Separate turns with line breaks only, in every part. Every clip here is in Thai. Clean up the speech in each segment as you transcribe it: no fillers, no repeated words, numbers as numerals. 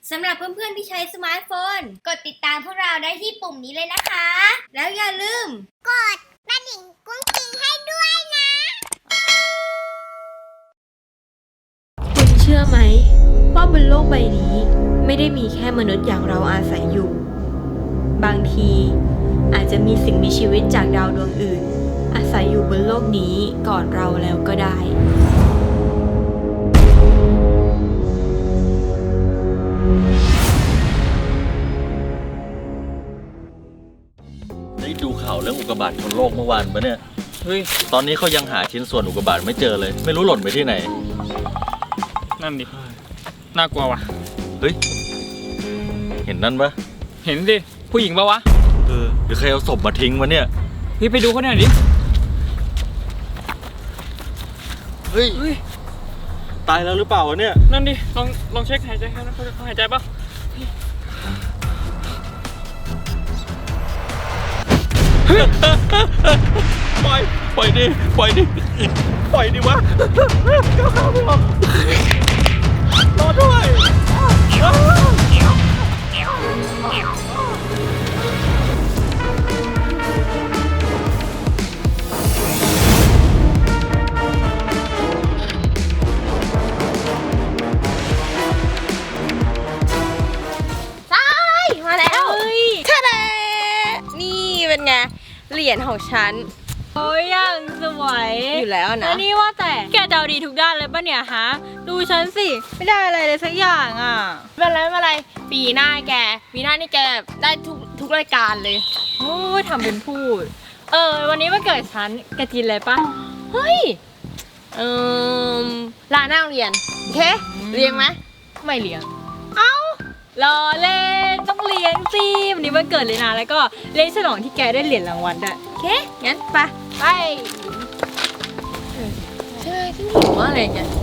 สำหรับเพื่อนๆที่ใช้สมาร์ทโฟนกดติดตามพวกเราได้ที่ปุ่มนี้เลยนะคะ แล้วอย่าลืมกดกระดิ่งกุ้งกิ้งให้ด้วยนะ
คุณเชื่อไหมว่าบนโลกใบนี้ไม่ได้มีแค่มนุษย์อย่างเราอาศัยอยู่บางทีอาจจะมีสิ่งมีชีวิตจากดาวดวงอื่นอาศัยอยู่บนโลกนี้ก่อนเราแล้วก็ได้
ได้ดูข่าวเรื่องอุกกาบาตชนโลกเมื่อวานปะเนี่ยเฮ้ยตอนนี้เขายังหาชิ้นส่วนอุกกาบาตไม่เจอเลยไม่รู้หล่นไปที่ไหน
นั่นดิน่ากลัวว่ะ
เฮ้ยเห็นนั่นปะ
เห็นดิผู้หญิงปะวะ
หรือใครเอาศพมาทิ้งวะเนี่ย
พี่ไปดูเขาหน่อยดิ
เฮ้ยตายแล้วหรือเปล่าวะเนี่ย
นั่นดิลองเช็คหายใจเขาหายใจปะ
ปล่อยดิปล่อยดิวะก้าวขาไม่ออกรอด้วย
มาแล้วทะเลนี่เป็นไงเหรียญของฉัน
โอ้ยอย่างสวย
อยู่แล้วนะ
แล้วนี่ว่าแต่แกจะเอาดีทุกด้านเลยป่ะเนี่ยฮะดูฉันสิไม่ได้อะไรเลยสักอย่างอ่ะ
ไม่เป็นไรปีหน้านี่แกได้ทุกรายการเลย
โอ้ยทำเป็นพูดวันนี้วันเกิดฉันแกกินอะไรป่ะ
เฮ้ยลาหน้าโรงเรียนโอเคเลี้ยงไหม
ไม่เลี้ยงเอ้ารอเล่นต้องเลี้ยงสิวันนี้วันเกิดเลยนะแล้วก็เล่นฉลองที่แกได้เหรียญรางวัลด้วย
โอเคงั้นไปใช่ที่หิวอะไรเงี้ย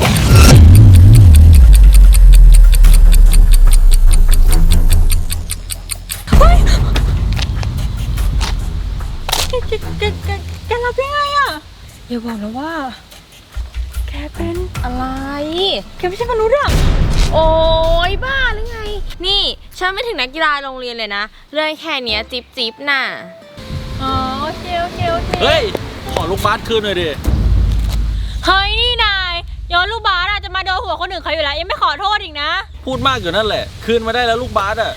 แกรับยังไงอ่ะอย่าบอกนะว่าแกเป็น
อะไร
แกไม่ใช่มนุษย์อ่ะ
โอ้ยบ้าหรือไงนี่ฉันไม่ถึงนักกีฬาโรงเรียนเลยนะเรื่องแค่เนี้ยจิ๊บน่ะ
อ๋อโอเค
เฮ้ยขอลูกบาสคืนหน่อยดิ
เฮ้ยนี่นายโยนลูกบาสจะมาโดนหัวคนอื่นเขาอยู่แล้วยังไม่ขอโทษอีกนะ
พูดมากอยู่นั่นแหละคืนมาได้แล้วลูกบาสอ่ะ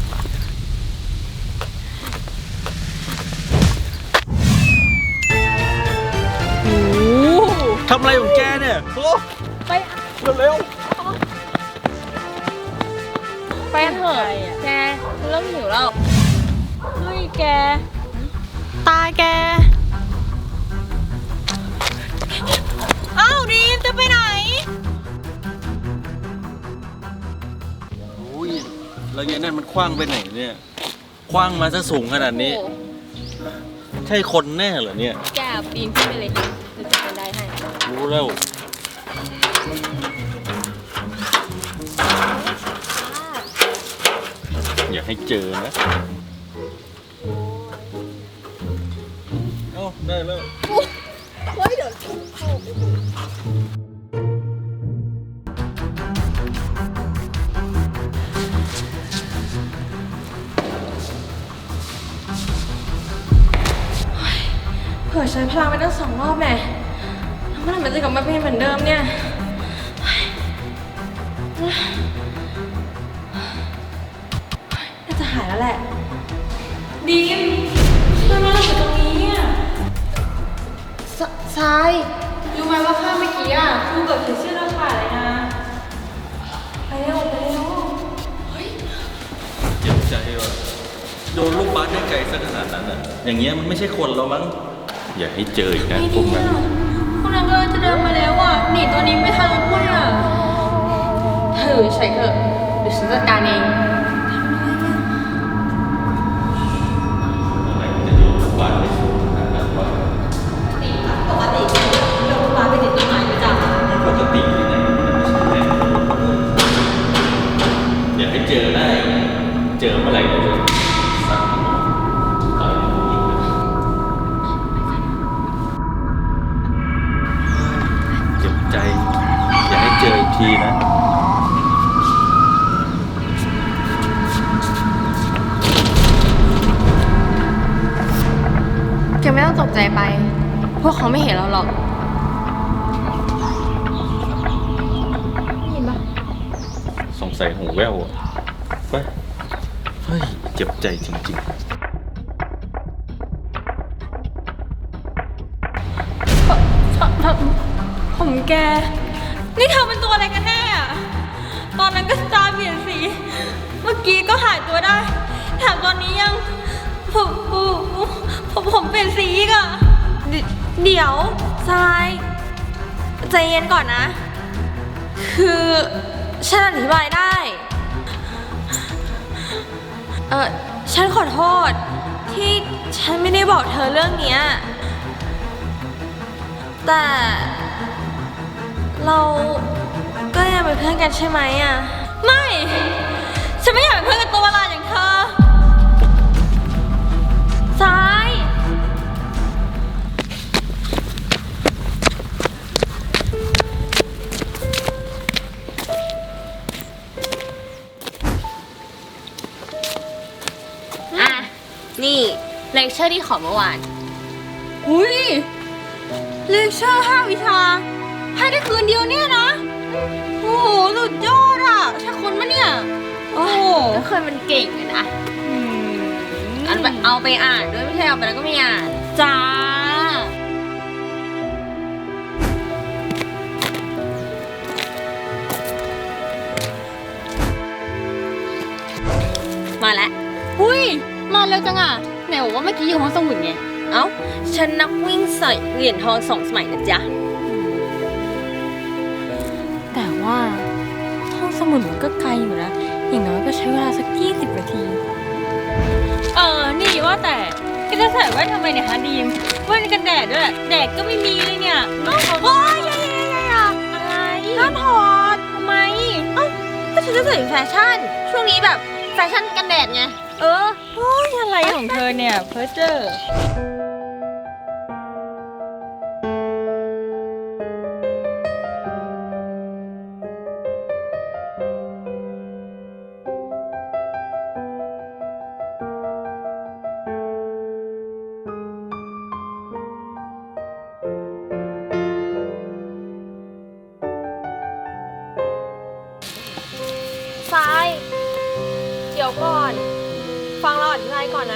ทำอะไรของแกเนี่ย
ไป
เร็ว
ไปเถอะแกเริ่มหิวแล้ว
เฮ้ยแกตาแกอ้าวดีมจะไปไหน
อุ้ยแล้วยัยนั่นมันคว้างไปไหนเนี่ยคว้างมาซะสูงขนาดนี้ใช่คนแน่เหรอเนี่ย
แกปีนขึ้นไปเลยจะเป็นได้ให้
รู้แล้วอย่าให้เจอนะเอาได้แล้ว
เฮ้ยเดี๋ยวเผื่อใช้พลังไปตั้ง2 รอบแน่เมื่อไหร่มันจะกลับมาเป็นเหมือนเดิมเนี่ยน่าจะหายแล้วแหละดีมทำไมเราอยู่ตรงนี้อ่ะทรายรู้ไหมว่าข้าเมื่อกี้อ่ะครูเกิดถึงชื่อเราขาดเลยนะไปเร็ว
เฮ้ยเจ็บใจว่ะโดนลูกบาสได้ไกลสักขนาดนั้นอ่ะอย่างเงี้ยมันไม่ใช่คนแล้วมั้งอย่าให้เจออีกนะพวกนั้น
พวกนั้นก็จะเดินมาแล้วอ่ะหนีตัวนี้ไม่ทันรถพุ่งอ่ะ
ใช่เถอะเดี๋ยวฉันจัดการเองปกติโดนลูกบาสไปติดต้นไม้ประจำ
ปกติที่ไหนมันไม่ใช่อย่าให้เจอได้เจอเมื่อไหร่ก็จะสั่งต่อยอีกเจ็บใจอย่าให้เจออีกทีนะ
ไม่เห็นเราหรอกได้ยินปะ
สงสัยหูแว่วอะไปเฮ้ย เจ็บใจจริงๆ
ผมแก นี่เธอเป็นตัวอะไรกันแน่อะตอนนั้นก็ตาเปลี่ยนสี เมื่อกี้ก็หายตัวได้ แถมตอนนี้ยังผมเปลี่ยนสีอีกอะ
เดี๋ยวทรายใจเย็นก่อนนะ คือฉันอธิบายได้ ฉันขอโทษที่ฉันไม่ได้บอกเธอเรื่องเนี้ยแต่เราก็ยังเป็นเพื่อนกันใช่ไหมอะ
ไม่ ฉันไม่อยากเป็นเพื่อนกับตัวประหลาดอย่างเธอ
ทราย
อ่ะ นี่เลคเชอร์ที่ขอเมื่อวาน
อุ้ยเลคเชอร์5 วิชา ให้ได้คืนเดียวเนี่ยนะ โอ้โห สุดยอดอ่ะใช่คนมะเนี่ย โอ้โห
ก็เคยมันเก่งเลยนะอันไปเอาไปอ่านด้วยไม่ใช่เอาไปแล้วก็ไม่อ่าน
จ้า
มาแล้ว
อุ้ย มาเร็วจังอ่ะไหนบอกว่าเมื่อกี้อยู่ห้องสมุดไง
เอ้า ฉันนักวิ่งใส่เหรียญทอง2 สมัยนะจ๊ะ
แต่ว่าห้องสมุดมันก็ไกลอยู่นะ อย่างน้อยก็ใช้เวลาสัก20 นาที นี่ว่าแต่ก็จะใส่แว่นทำไมเนี่ยฮะดีมแว่นกันแดดด้วย แดดก็ไม่มีเลยเนี่ยโอ้ยอะไรห้ามถอดทำไม
ก็ฉันจะใส่แฟชั่น ช่วงนี้แบบแฟชั่นกันแดดไง
โอ้ยอะไรของเธอเนี่ยเพ้อเจ้อ
ทรายเดี๋ยวก่อน ฟังเราอธิบายก่อนนะ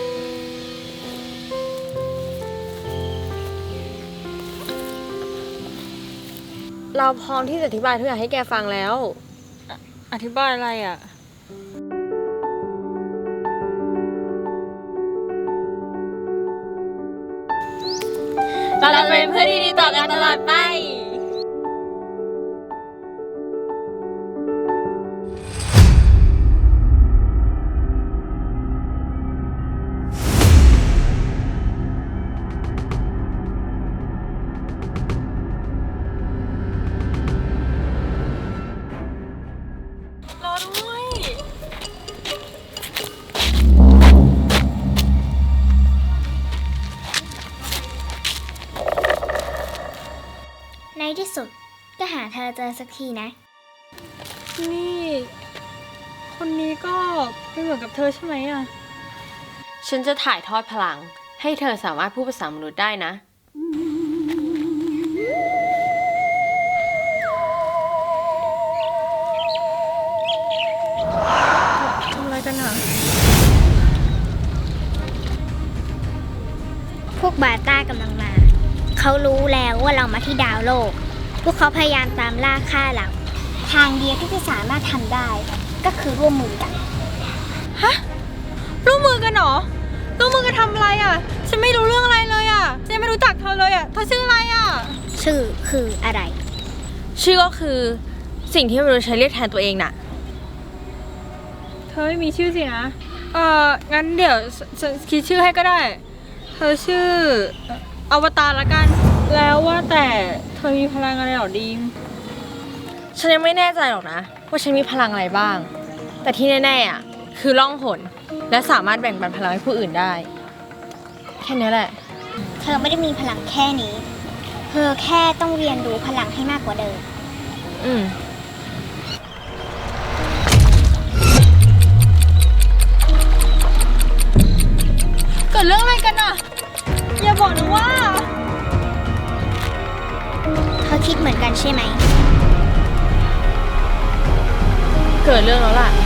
เราพร้อมที่จะอธิบายทุกอย่างให้แกฟังแล้ว
อธิบายอะไรอ่ะ
เราจะเป็นเพื่อนที่ดีต่อกันตลอดไป
รอด้วย
ในที่สุดก็หาเธอเจอสักทีนะ
นี่ คนนี้ก็เป็นเหมือนกับเธอใช่ไหมอ่ะ
ฉันจะถ่ายทอดพลัง ให้เธอสามารถพูดภาษามนุษย์ได้นะ
ทำอะไรกันอ่ะ
พวกบาต้ากำลังมา เขารู้แล้วว่าเรามาที่ดาวโลก พวกเขาพยายามตามล่าฆ่าเรา ทางเดียวที่จะสามารถทำได้ ก็คือร่วมมือกัน
ร่วมมือกันเหรอ ร่วมมือกันทำอะไรอ่ะ ฉันไม่รู้เรื่องอะไรเลยอ่ะฉันยังไม่รู้จักเธอเลยอ่ะ เธอชื่ออะไรอ่ะ
ชื่อคืออะไร
ชื่อก็คือสิ่งที่มนุษย์ใช้เรียกแทนตัวเองน่ะ
เธอไม่มีชื่อสินะ งั้นเดี๋ยวฉันคิดชื่อให้ก็ได้ เธอชื่ออวตารละกัน แล้วว่าแต่เธอมีพลังอะไรหรอดีม
ฉันยังไม่แน่ใจหรอกนะ ว่าฉันมีพลังอะไรบ้าง แต่ที่แน่ๆอ่ะคือล่องหนและสามารถแบ่งปันพลังให้ผู้อื่นได้ แค่นี้แหละ
เธอไม่ได้มีพลังแค่นี้ เธอแค่ต้องเรียนรู้พลังให้มากกว่าเดิม
อืม
เกิดเรื่องอะไรกันอ่ะ อย่าบอกนะว่า
คิดเหมือนกันใช่ไหม
เกิดเรื่องแล้วล่ะ